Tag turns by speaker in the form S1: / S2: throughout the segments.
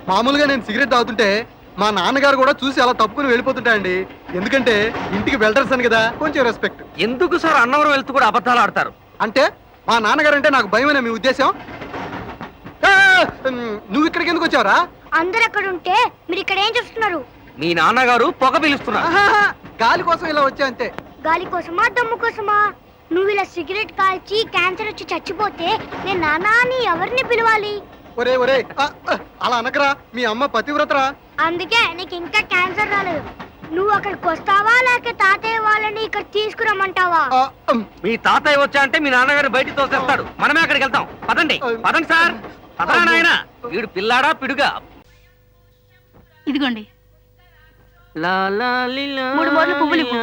S1: మామూలుగా నేను సిగరెట్ తాగుతుంటే మా నాన్నగారు కూడా చూసి అలా తప్పుకుని వెళ్ళిపోతుంటాయండి. ఎందుకంటే ఇంటికి వెల్డర్స్ అని కదా, కొంచెం రెస్పెక్ట్.
S2: ఎందుకు సార్ అన్నవరం వెళ్తూ కూడా అబద్ధాలు ఆడతారు?
S1: అంటే మా నాన్నగారు అంటే నాకు భయమేనా మీ ఉద్దేశం? ఆ, నువ్వు ఇక్కడికి ఎందుకు వచ్చావురా?
S3: అందరు అక్కడ ఉంటే మీరు ఇక్కడ ఏం చేస్తున్నారు?
S2: మీ నాన్నగారు పొగ పిలుస్తున్నారు.
S1: ఆహాహా, గాలి కోసం ఇలా వచ్చా అంతే.
S3: గాలి కోసమా దమ్ము కోసమా? నువ్వు ఇలా సిగరెట్ కాల్చి క్యాన్సర్ వచ్చి చచ్చిపోతే నేను నాన్న అని ఎవరిని పిలవాలి?
S1: ఒరే ఒరే, అలా అనకరా, మీ అమ్మ పతివ్రతరా.
S3: అందుకే నీకు ఇంకా క్యాన్సర్ రాలేదు. నువ్వు అక్కడికి వస్తావా లేక తాతయ్య వాళ్ళని ఇక్కడ తీసుకురమ్మంటావా?
S2: మీ తాతయ్య వచ్చా అంటే మీ నాన్నగారు బయటికి తోసేస్తాడు. మనమే అక్కడికి వెళ్తాం. పదండి పదండి సార్. పదరా నాయనా. వీడు పిల్లాడా పిడుగా?
S4: ఇదిగోండి.
S2: లా లా లిలా
S4: 3 మూరలు పువ్వులు ఇవ్వు.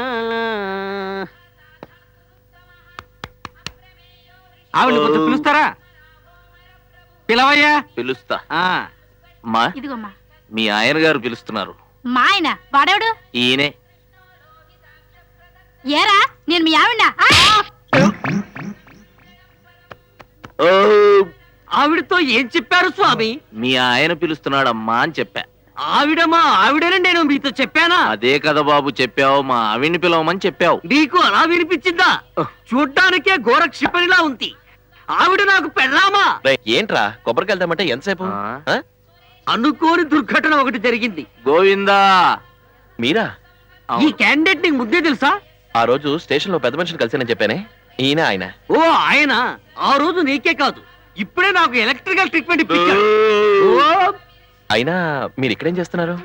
S2: ఆవిడ కొంచెం పిలుస్తారా? పిలవయ్యా.
S5: పిలుస్తా.
S2: మా
S4: ఇదిగోమ్మా.
S5: మీ ఆయన గారు పిలుస్తున్నారు.
S4: మా ఆయన వాడేవాడు?
S5: ఈయనే.
S4: ఏరా నేను మీ ఆవిడ?
S5: ఓ,
S2: ఆవిడతో ఏం చెప్పారు స్వామి?
S5: మీ ఆయన పిలుస్తున్నాడమ్మా అని చెప్పా.
S2: ఆవిడమా ఆవిడని నేను మీతో చెప్పానా?
S5: అదే కదా బాబు చెప్పావు, మా ఆవిడ్ని పిలవమని చెప్పావు.
S2: నీకు అలా వినిపించిందా? చూడ్డానికే ఘోర క్షిపణిలా ఉంది. ఆవిడ నాకు పెళ్ళామా?
S6: ఏంట్రా కొబ్బరికి వెళ్తామంటే ఎంతసేపు?
S2: అనుకోని దుర్ఘటన ఒకటి జరిగింది.
S5: గోవిందా.
S6: మీరా?
S2: ఈ క్యాండిడేట్ నీకు ముద్దే తెలుసా?
S6: ఆ రోజు స్టేషన్ లో పెద్ద మనిషిని కలిసానని చెప్పానే, ఈయన ఆయన.
S2: ఓ ఆయన. ఆ రోజు నీకే కాదు, ఇప్పుడే నాకు ఎలక్ట్రికల్ ట్రీట్మెంట్ ఇప్పించాడు. ఓ,
S6: అయినా మీరు ఇక్కడేం చేస్తున్నారు?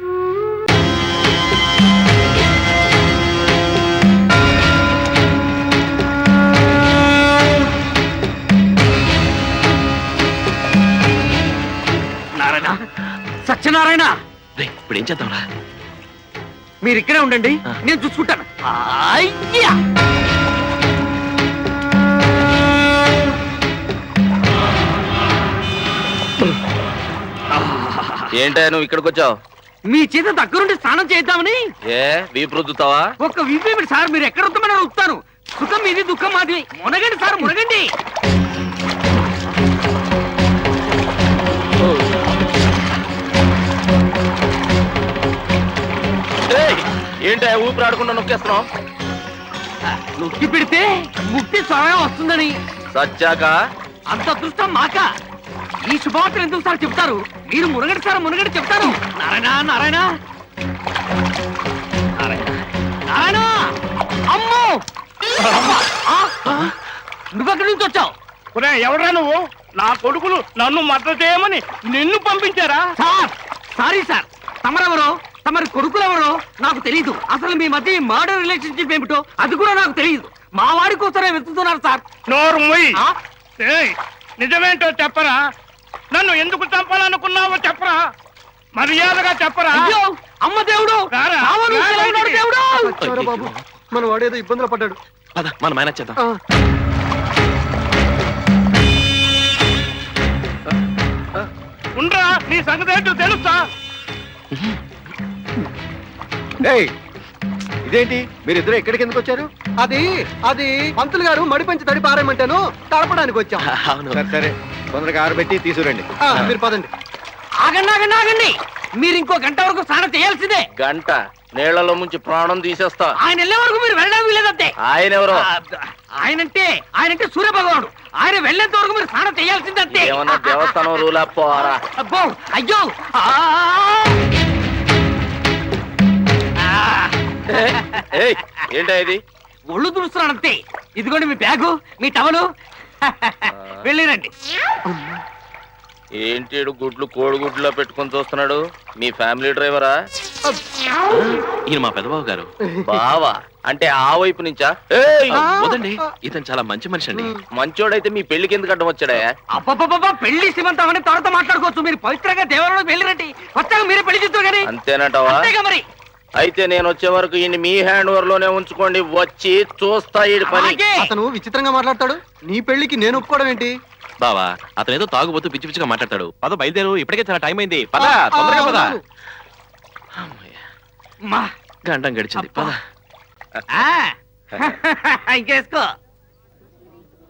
S2: నారాయణ, సత్యనారాయణ,
S6: ఇప్పుడు ఏం చేద్దాంరా?
S2: మీరు ఇక్కడే ఉండండి,
S6: ఆ.
S2: నేను చూసుకుంటాను. అయ్యా,
S5: ఏంటా నువ్వు ఇక్కడికి వచ్చావు?
S2: మీ చేత దగ్గరుండి స్నానం చేద్దామని.
S5: ఏ వీపు రుద్దుతావా?
S2: ఒక్క వీపీ సార్, మీరు ఎక్కడ వస్తామని వస్తాను. సుఖం మీది దుఃఖం మాది. మునగండి సార్, మునగండి.
S5: ఏంటా ఊపిరి ఆడకుండా నొక్కేస్తున్నావు?
S2: నొక్కి పెడితే ముక్తి స్వయం వస్తుందని.
S5: సచ్చాక
S2: అంత అదృష్టం మాక. ఈ శుభవార్తలు ఎందుకు సార్ చెప్తారు? మీరు మునగడి సార్, మునగడి చెప్తారు. నారాయణ నారాయణ నారాయణ నారాయణ. అమ్మో, నువ్వెక్కడి నుంచి వచ్చావు?
S7: ఎవడ్రా నువ్వు? నా కొడుకులు నన్ను మద్దతు చేయమని నిన్ను పంపించారా?
S2: సార్ సారీ సార్, తమరెవరో తమరి కొడుకులెవరో నాకు తెలియదు. అసలు మీ మధ్య మర్డర్ రిలేషన్షిప్ ఏమిటో అది కూడా నాకు తెలియదు. మా వాడి కోసమే వెతుకుతున్నారు సార్.
S7: నోరు మొయ్యి. ఏయ్, నిజమేంటో చెప్పరా? నన్ను ఎందుకు చంపాలనుకున్నావో చెప్పరా? మర్యాదగా చెప్పరా?
S2: అయ్యో, అమ్మ దేవుడు,
S7: రారా?
S2: రావణుడు ఎలా ఉన్నాడు దేవుడు?
S1: వచ్చావురా బాబు, మన వాడేదో ఇబ్బందులు పడ్డాడు.
S6: పద మనం మేనేజ్ చేద్దాం.
S7: ఉండరా, నీ సంగతి ఏంటో తెలుసా?
S1: ఇదేంటి మీరిద్దరు ఎక్కడికి ఎందుకు వచ్చారు? అది అది పంతులు గారు మడిపెంచి తడి పారేయమంటాను, తడపడానికి వచ్చాం.
S6: అవును.
S1: సరే తొందరగా ఆరబెట్టి తీసుకురండి. మీరు పదండి.
S2: ఆగండి ఆగండి ఆగండి, మీరు ఇంకో గంట వరకు స్నానం చేయాల్సిందే.
S5: గంట నీళ్లలో ముంచి ప్రాణం తీసేస్తా.
S2: ఆయన వెళ్ళే వరకు మీరు వెళ్ళడం లేదంతే.
S5: ఆయన ఎవరో?
S2: ఆయనంటే సూర్య భగవానుడు. ఆయన వెళ్ళేంత వరకు మీరు స్నానం చేయాల్సిందంతే.
S5: ఏమన్నా దేవస్థానం రూలా పోరా?
S2: అబ్బో, అయ్యో,
S5: ఏంటా ఇది?
S2: ఒళ్ళు తుడుస్తున్నానంతే. ఇదిగోండి మీ బ్యాగు, మీ టవలు. వెళ్ళిరండి.
S5: ఏంటి గుడ్లు కోడిగుడ్లో పెట్టుకొని చూస్తున్నాడు? మీ ఫ్యామిలీ డ్రైవరా?
S6: ఈయన మా పెద్దబాబు గారు.
S5: బావా అంటే ఆ వైపు నుంచా?
S6: వదండి, ఇతను చాలా మంచి మనిషి అండి.
S5: మంచోడైతే మీ పెళ్లికి ఎందుకు అడ్డం వచ్చాడా?
S2: అబ్బబ్బబ్బా, పెళ్లి శ్రీమంతం అని త్వరతో మాట్లాడుకోవచ్చు. మీరు పవిత్రంగా దేవాలయంలోకి వెళ్ళిరండి. వచ్చాక మీరే పెళ్లి చేస్తారు కానీ.
S5: అంతేనంటావా?
S2: అంతేగా మరి.
S5: అయితే నేను వచ్చే వరకు ఈయన మీ హ్యాండ్ ఓవర్ లోనే ఉంచుకోండి. వచ్చి చూస్తా ఈ పని.
S2: అలాగే.
S1: అతను విచిత్రంగా మాట్లాడతాడు. నీ పెళ్లికి నేను ఒప్పుకోవడం ఏంటి?
S6: బావా, అతను ఏదో తాగుబోతూ పిచ్చి పిచ్చిగా మాట్లాడతాడు. పద బయలుదేరు, ఇప్పటికే చాలా టైం అయింది. పద తొందరగా పద.
S2: మా
S6: గంటం గడిచింది, పద.
S2: ఇంకేసుకో.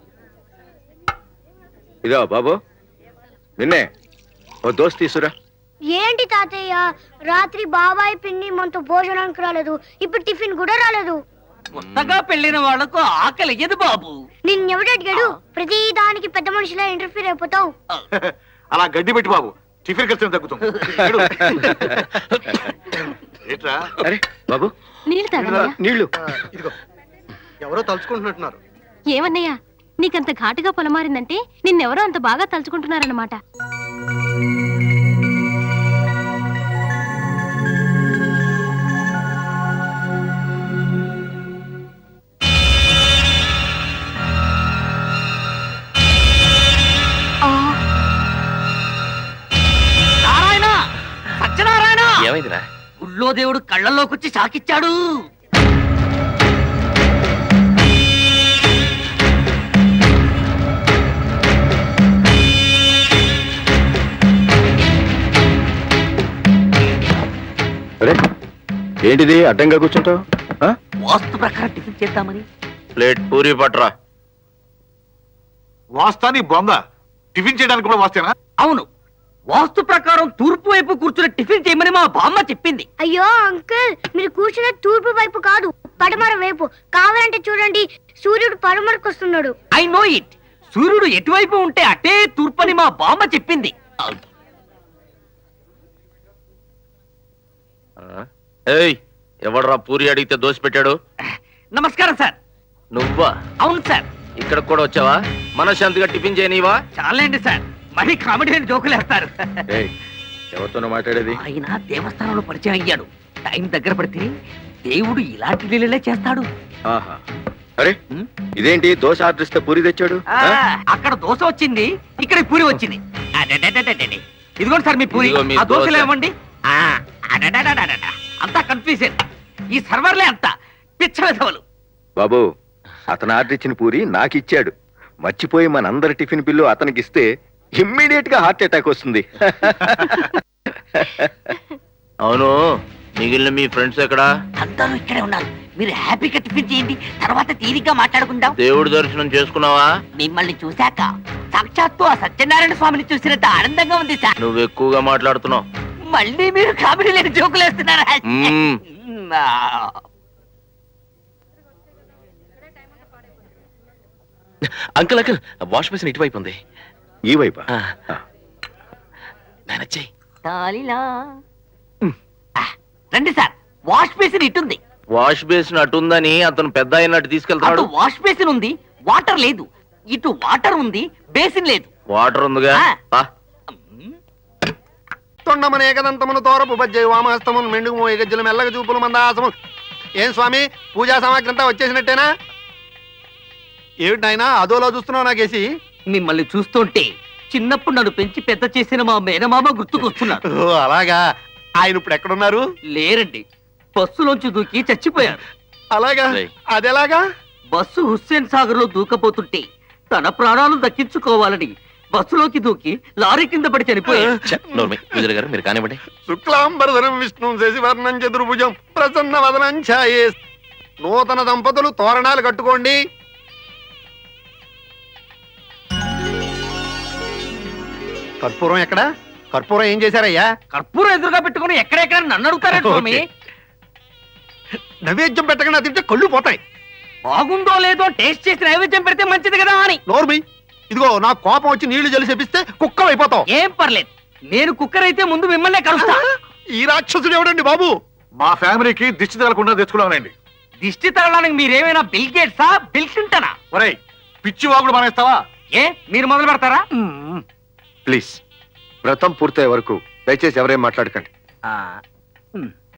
S8: ఇదో బాబు, నిన్నే ఓ దోస్త్ తీసురా.
S3: ఏంటి తాతయ్య, రాత్రి బాబాయ్ పిన్ని మనతో భోజనానికి రాలేదు, ఇప్పుడు టిఫిన్ కూడా రాలేదు.
S2: కొత్తగా పెళ్లిన వాళ్లకు ఆకలి ఎదు బాబు.
S3: నిన్నెవడు అడిగాడు? ప్రతి దానికి పెద్ద మనిషిలా ఇంటర్ఫీర్ అయిపోతావు.
S8: అలా గడ్డి పెట్టి బాబు, టిఫిన్ ఖర్చు తగ్గుతుంది. ఏంట్రా?
S9: అరే బాబు,
S4: నీళ్ళు తాగన్నయ్యా.
S9: నీళ్లు.
S1: ఇదిగో ఎవరో తలుచుకుంటున్నట్టున్నారు.
S4: ఏమన్నయ్యా, నీకంత ఘాటుగా పొలమారిందంటే నిన్నెవరో అంత బాగా తలుచుకుంటున్నారన్నమాట.
S2: నారాయణ, సత్యనారాయణ,
S6: ఏమైందిరా?
S2: గుళ్ళో దేవుడు కళ్ళల్లోకి వచ్చి షాకిచ్చాడు.
S9: అరే ఏంటిది అడ్డంగా కూర్చుంటావు?
S2: వాస్తు ప్రకారం టిఫిన్ చేద్దామని.
S5: ప్లేట్ పూరి పట్రా.
S8: వాస్తాని బొంద, టిఫిన్ చేయడానికి కూడా వాస్తేనా?
S2: అవును, వాస్తు ప్రకారం తూర్పు వైపు కూర్చుని టిఫిన్ చేయమని మా బామ్మ చెప్పింది.
S3: అయ్యో అంకుల్, మీరు కూర్చున్న తూర్పు వైపు కాదు, పడమర వైపు. కావాలంటే చూడండి, సూర్యుడు పడమరకు వస్తున్నాడు.
S2: I know it. సూర్యుడు ఎటువైపు ఉంటే అటే తూర్పు అని మా బామ్మ చెప్పింది.
S5: ఏయ్, ఎవడ్రా పూరి అడిగితే దోశ పెట్టాడు?
S2: నమస్కారం సార్.
S5: నువ్వా?
S2: అవును సార్.
S5: ఇక్కడ కూడా వచ్చావా? మనశ్శాంతిగా టిఫిన్ చేయనివా?
S2: చాలండి సార్, మరీ కామెడీ అని జోకులు వేస్తారు.
S9: ఎవరితోనో మాట్లాడేది?
S2: ఆయన దేవస్థానంలో పరిచయం అయ్యాడు. టైం దగ్గర పడితే దేవుడు ఇలాంటి లీలలే చేస్తాడు.
S9: ఆహా. అరే ఇదేంటి దోశ ఆర్డర్ ఇస్తే పూరి తెచ్చాడు?
S2: అక్కడ దోశ వచ్చింది, ఇక్కడ పూరి వచ్చింది. అడడడడడడడి. ఇదిగోండి సార్ మీ పూరి.
S5: ఇదిగో మీ
S2: ఆ దోశలు
S5: దోశ.
S2: ఏమండి? అడడడడడడ. అంతా కన్ఫ్యూజన్. ఈ సర్వర్లే అంతా పిచ్చ విధవలు.
S9: బాబు, అతను ఆర్డర్ ఇచ్చిన పూరి నాకు ఇచ్చాడు. మర్చిపోయి మనందరి టిఫిన్ బిల్లు అతనికి ఇస్తే ఇమ్మీడియట్ గా హార్ట్ అటాక్ వస్తుంది.
S5: అవును, మిగిలిన మీ ఫ్రెండ్స్ ఎక్కడా?
S2: అందరూ ఇక్కడే ఉన్నారు. మీరు హ్యాపీగా టిఫిన్ చేయండి, తర్వాత తీరిగ్గా మాట్లాడుకుందాం.
S5: దేవుడి దర్శనం చేసుకున్నావా?
S2: మిమ్మల్ని చూశాక సాక్షాత్తు ఆ సత్యనారాయణ స్వామిని చూసినంత ఆనందంగా ఉంది సార్.
S5: నువ్వు ఎక్కువగా మాట్లాడుతున్నావు.
S2: మళ్ళీ మీరు కామెడీ లేని జోకులు వేస్తున్నారా?
S5: మ్మ్.
S6: అంకుల్ అంకుల్, వాష్ బేసిన్ ఇటువైపు ఉంది.
S9: ఈ వైపా?
S6: మేనేజ్
S2: తాలిలా. రండి సార్, వాష్ బేసిన్ ఇటుంది.
S5: వాష్ బేసిన్ అటుందని అతను పెద్ద అయినట్టు
S2: అటు
S5: తీసుకెళ్తాడు.
S2: వాష్ బేసిన్ ఉంది, వాటర్ లేదు. ఇటు వాటర్ ఉంది, బేసిన్ లేదు.
S5: వాటర్ ఉందిగా.
S2: ఆ.
S5: పా.
S1: తొండమన ఏకదంతమును తోరపు బజ్జై వామహస్తమును మెండుగు ఏగజ్జలు మెల్లగ చూపులు మందాసము. ఏం స్వామి, పూజా సామాగ్రి అంతా వచ్చేసినట్టేనా? ఏమిటి నాయనా అదోలా చూస్తున్నావు నాకేసి?
S2: మిమ్మల్ని చూస్తుంటే చిన్నప్పుడు నన్ను పెంచి పెద్ద చేసిన మా మేనమామ గుర్తుకొస్తున్నాడు.
S1: ఓ అలాగా. ఆయన ఇప్పుడు ఎక్కడున్నారు?
S2: లేరండి, బస్సులోంచి దూకి చచ్చిపోయారు.
S1: అలాగా?
S6: రేయ్.
S1: అదెలాగా?
S2: బస్సు హుస్సేన్ సాగర్ లో దూకపోతుంటే తన ప్రాణాలు దక్కించుకోవాలని బస్సులోకి దూకి లారీ కింద పడి చనిపోయారు.
S6: విజయ్ గారు మీరు కానివ్వండి.
S1: శుక్లాంబరధరం విష్ణు శశివర్ణం చతుర్భుజం ప్రసన్న వదనం ఛాయే. నూతన దంపతులు తోరణాలు కట్టుకోండి. కర్పూరం ఎక్కడ? కర్పూరం ఏం చేశారయ్యా?
S2: కర్పూరం ఎదురుగా పెట్టుకుని ఎక్కడెక్కడ నన్ను అడుగుతారా స్వామి?
S1: నైవేద్యం పెట్టకుండా తింటే కళ్ళు పోతాయి.
S2: బాగుందో లేదో టేస్ట్ చేసి నైవేద్యం పెడితే మంచిది కదా అని.
S1: నోర్మి, ఇదిగో నా కోపం వచ్చి నీళ్లు జలి చెప్పిస్తే కుక్కలు అయిపోతావు.
S2: ఏం పర్లేదు, నేను కుక్కర్ అయితే ముందు మిమ్మల్నే కలుస్తా.
S1: ఈ రాక్షసుడు ఎవడండి బాబు?
S8: మా ఫ్యామిలీకి దిష్టి తగలకుండా తెచ్చుకున్నానండి.
S2: దిష్టి తగలడానికి మీరేమైనా బిల్ గేట్సా, బిల్ క్లింటనా?
S8: ఒరేయ్, పిచ్చి వాగుడు మానేస్తావా?
S2: ఏ మీరు మొదలు పెడతారా?
S9: ప్లీజ్, వ్రతం పూర్తయ్యే వరకు దయచేసి ఎవరేం మాట్లాడకండి.